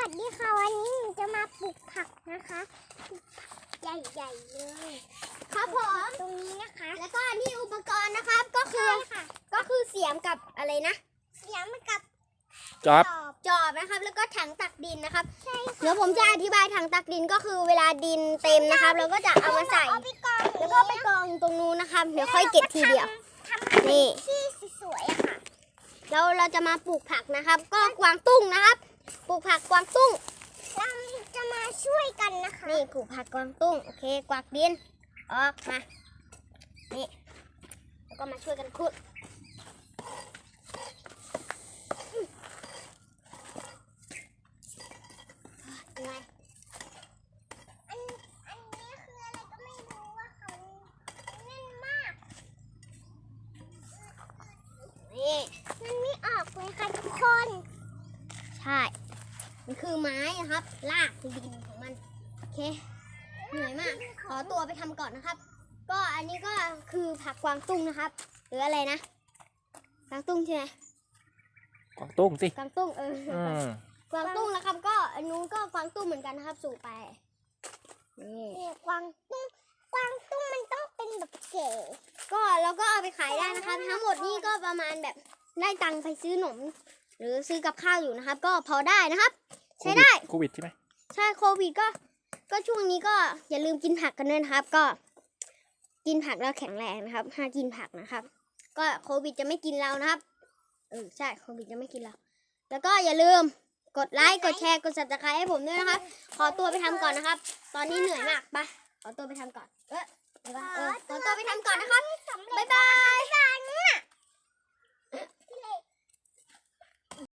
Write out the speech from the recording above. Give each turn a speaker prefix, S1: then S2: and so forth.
S1: วัสดีค่ะวันนี้หนูจะมาปลูกผักนะคะปลูกผักใหญ่ๆเลยครับผมตรงนี้นะคะแล้วก็นี่อุปกรณ์นะครับก็คือเสียมกับอะไรนะเสียมกับจอบนะครับแล้วก็ถังตักดินนะครับเดี๋ยวผมจะอธิบายถังตักดินก็คือเวลาดินเต็มนะครับเราก็จะเอามาใส่แล้วก็ไปกองตรงนู้นนะครับเดี๋ยวค่อยเก็บทีเดียวนี่ที่สวยๆค่ะแล้วเราจะมาปลูกผักนะครับก็กวางตุ้งนะครับปลูกผักกวางตุ้งเราจะมาช่วยกันนะคะนี่ปลูกผักกวางตุ้งโอเคกวาดดินออกมานี่แล้วก็มาช่วยกันขุดยังไงอันนี้คืออะไรก็ไม่รู้ว่าเขาแน่นมากนี่มันไม่ออกเลยค่ะทุกคนใช่มันคือไม้นะครับรากดินของมันโอเคเหนื่อยมากขอตัวไปทำก่อนนะครับก็อันนี้ก็คือผักกวางตุ้งนะครับหรืออะไรนะกวางตุ้งใช่ไหม
S2: กวางตุ้งสิ
S1: กวางตุ้งกวางตุ้งนะครับก็อันนู้นก็กวางตุ้งเหมือนกันนะครับสู่ไปนี่กวางตุ้งมันต้องเป็นแบบเก๋ก็เราก็เอาไปขายได้นะครับทั้งหมดนี่ก็ประมาณแบบได้ตังค์ไปซื้อขนมหรือซื้อกับข้าวอยู่นะครับก็พอได้นะครับใช้ได้
S2: โควิดใช่ไหม
S1: ใช่โควิดก็ช่วงนี้ก็อย่าลืมกินผักกันด้วยนะครับก็กินผักแล้วแข็งแรงนะครับห้ามกินผักนะครับก็โควิดจะไม่กินเรานะครับใช่โควิดจะไม่กินเราแล้วก็อย่าลืมกดไลค์กดแชร์กด Subscribe ให้ผมด้วยนะครับขอตัวไปทำก่อนนะครับตอนนี้เหนื่อยมากไปขอตัวไปทำก่อนขอตัวไปทำก่อนนะครับบ๊ายบาย